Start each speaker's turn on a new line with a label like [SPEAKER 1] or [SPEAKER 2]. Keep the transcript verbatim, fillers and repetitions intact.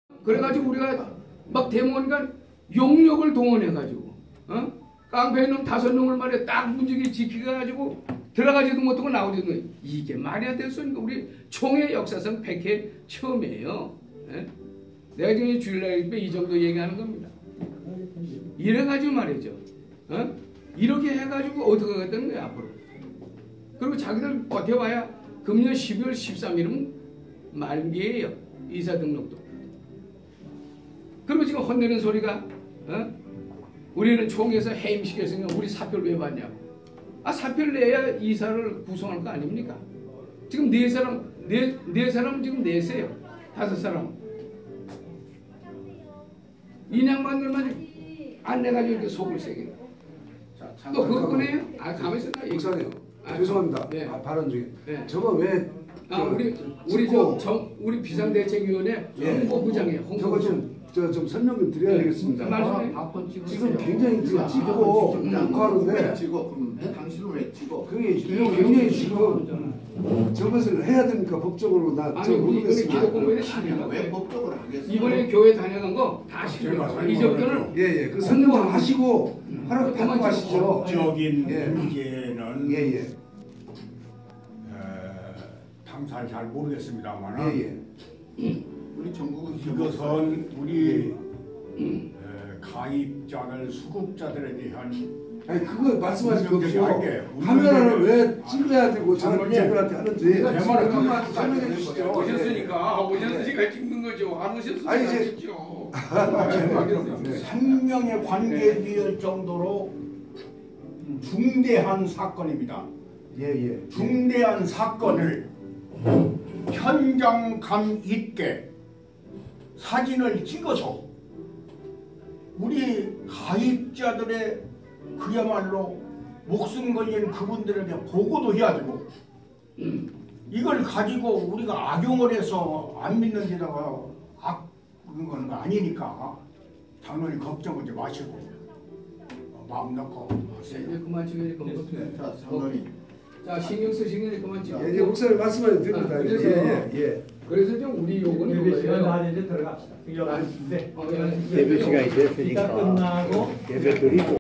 [SPEAKER 1] 그래가지고 우리가 막 데모하니까 용력을 동원해가지고 어? 깡패 놈 다섯 놈을 말이야 딱 문지기 지키가지고 들어가지도 못하고 나오지도 못하고 이게 말이야 됐으니까 우리 총의 역사상 백 회 처음이에요. 예? 내가 지금 주일날 이 정도 얘기하는 겁니다. 이래가지고 말이죠. 어? 이렇게 해가지고 어떻게 하겠다는 거야 앞으로. 그리고 자기들 버텨봐야 금년 십이월 십삼일은 만기예요. 이사등록도. 그리고 지금 혼내는 소리가 어? 우리는 총에서 해임시켰으니까 우리 사표를 왜 받냐고. 아 사표를 내야 이사를 구성할 거 아닙니까? 지금 네 사람 네, 네 사람 지금 내세요. 다섯 사람. 인양반들만 안 내가지고 이렇게 속을 세게. 또 그거 꺼내요? 아 가만있어.
[SPEAKER 2] 목사님 아, 죄송합니다.
[SPEAKER 1] 네.
[SPEAKER 2] 아, 발언 중에.
[SPEAKER 1] 네.
[SPEAKER 2] 저거 왜?
[SPEAKER 1] 아 우리 우리 저 정 우리 비상대책위원회 홍보부장이에요. 홍보부장.
[SPEAKER 2] 저거 좀 저 좀 설명 좀 드려야
[SPEAKER 1] 네.
[SPEAKER 2] 되겠습니다.
[SPEAKER 1] 말씀해.
[SPEAKER 2] 지금 굉장히 지금 찍고 녹화하는데
[SPEAKER 3] 찍어 그럼 당신은 왜 찍어?
[SPEAKER 2] 그게 굉장히 지금 저것을 해야 됩니까 법적으로 나 저
[SPEAKER 1] 아니 우리 이번에
[SPEAKER 2] 모르겠습니다.
[SPEAKER 1] 기독공부에 시비가
[SPEAKER 3] 왜 법적으로 하겠어?
[SPEAKER 1] 이번에 교회 다녀간 거 다 시비가 이제부터는
[SPEAKER 2] 예예 그 설명 좀 하시고 하라고 받고 가시죠.
[SPEAKER 4] 법적인
[SPEAKER 2] 예.
[SPEAKER 4] 문제는
[SPEAKER 2] 예예
[SPEAKER 4] 어, 당사를 잘 모르겠습니다만
[SPEAKER 2] 예예
[SPEAKER 3] 우리 전국은
[SPEAKER 4] 이것은 우리 어, 가입자들 수급자들에 대한
[SPEAKER 2] 아니 그거 말씀하실 거 없이요.
[SPEAKER 4] 할게.
[SPEAKER 2] 카메라를 왜 찍어야 되고
[SPEAKER 4] 장모님.
[SPEAKER 2] 저분한테 하는지
[SPEAKER 4] 내 말을
[SPEAKER 2] 그만 설명해 주시죠.
[SPEAKER 1] 오셨으니까 오셨으니까 찍는 거죠. 안 오셨으니까
[SPEAKER 2] 아니, 이제-
[SPEAKER 1] 찍죠.
[SPEAKER 2] 네.
[SPEAKER 4] 생명의 관계에 비할 정도로 중대한 사건입니다.
[SPEAKER 2] 예예
[SPEAKER 4] 중대한 사건을 현장감 있게 사진을 찍어서 우리 가입자들의 그야말로 목숨 걸린 그분들에게 보고도 해야 되고 이걸 가지고 우리가 악용을 해서 안 믿는 데다가 악 그런 건 아니니까 장로님 걱정하지 마시고 마음 놓고 하세요.
[SPEAKER 1] 이제 그만 찍어야 될
[SPEAKER 3] 네, 자 장로님.
[SPEAKER 1] 자 신경 쓰시는 게 그만 찍어.
[SPEAKER 2] 예, 이제 목사님 말씀하셔도 됩니다.
[SPEAKER 1] 아, 그래서-
[SPEAKER 2] 예예 예.
[SPEAKER 1] 그래서 좀 우리 요구는
[SPEAKER 5] 예배 시간
[SPEAKER 1] 그거예요.
[SPEAKER 5] 다 이제 들어갑시다. 네.
[SPEAKER 1] 어, 예.
[SPEAKER 6] 예배 시간이
[SPEAKER 5] 이따
[SPEAKER 6] 됐으니까
[SPEAKER 5] 끝나고
[SPEAKER 6] 예배 드리고